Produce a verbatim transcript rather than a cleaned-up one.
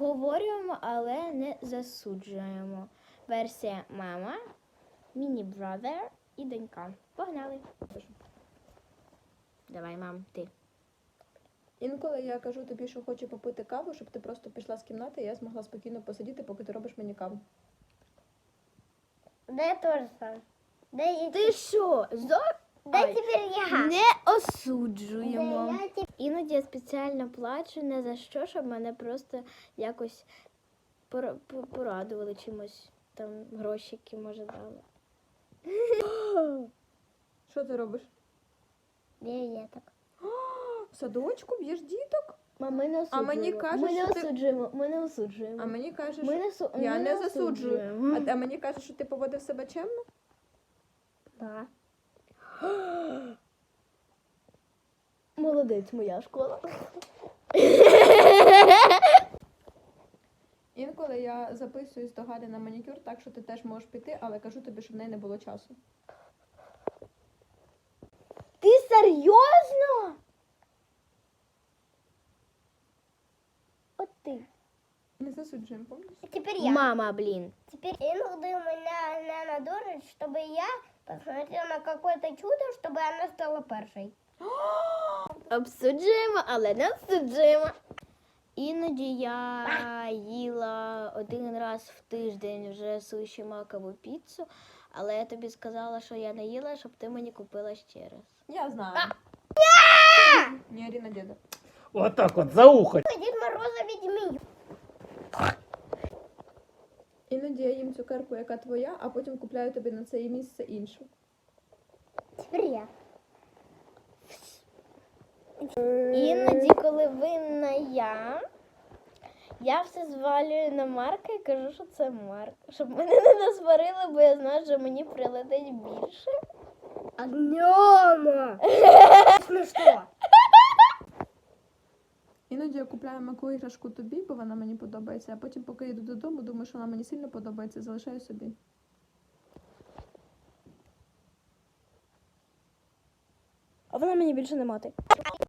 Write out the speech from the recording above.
обговорюємо, але не засуджуємо. Версія мама, міні-бразер і донька. Погнали. Давай, мам, ти. Інколи я кажу тобі, що хочу попити каву, щоб ти просто пішла з кімнати, і я змогла спокійно посидіти, поки ти робиш мені каву. Да я тоже сам. Да я, Ти що? Зо... да Ай. теперь я. Не осуджуємо. Да я теперь... Іноді я спеціально плачу не за що, щоб мене просто якось пора- по- порадували чимось. Там грошики, може, дали. Що ти робиш? Да я так. В садочку б'єш діток? Мам, ми не А мені осуджуємо. кажуть, Ми не що ти- осуджуємо. Ми не осуджуємо. А мені кажеш, Ми не, су... я ми не засуджую. осуджуємо. А, а мені кажуть, що ти поводив себе чемно? Да. Молодець, моя школа. Інколи я записуюсь до Галі на манікюр, так що ти теж можеш піти, але кажу тобі, щоб в неї не було часу. Ти серйозно? От ти. Не засуджуємо, помніш? Теперь я. Мама, блін. Теперь иногда меня, меня надурит, чтобы я посмотрела на какое-то чудо, чтобы она стала першей. Обсуджуємо, але не осуджуємо. Іноді я їла один раз в тиждень вже суші макову піцу, але я тобі сказала, що я не їла, щоб ти мені купила ще раз. Я знаю. Не ори на деда. Вот так вот, за ухо. Дед Мороза ведьми. Іноді я їм цукерку, яка твоя, а потім купляю тобі на це місце іншу. Теперь я. Іноді, коли винна я, я все звалюю на Марка і кажу, що це Марк. Щоб мене не насварили, бо я знаю, що мені прилетить більше. Огнема. Смешно. Іноді я купляю маку іграшку тобі, бо вона мені подобається, а потім, поки йду додому, думаю, що вона мені сильно подобається, залишаю собі. А вона мені більше не мати.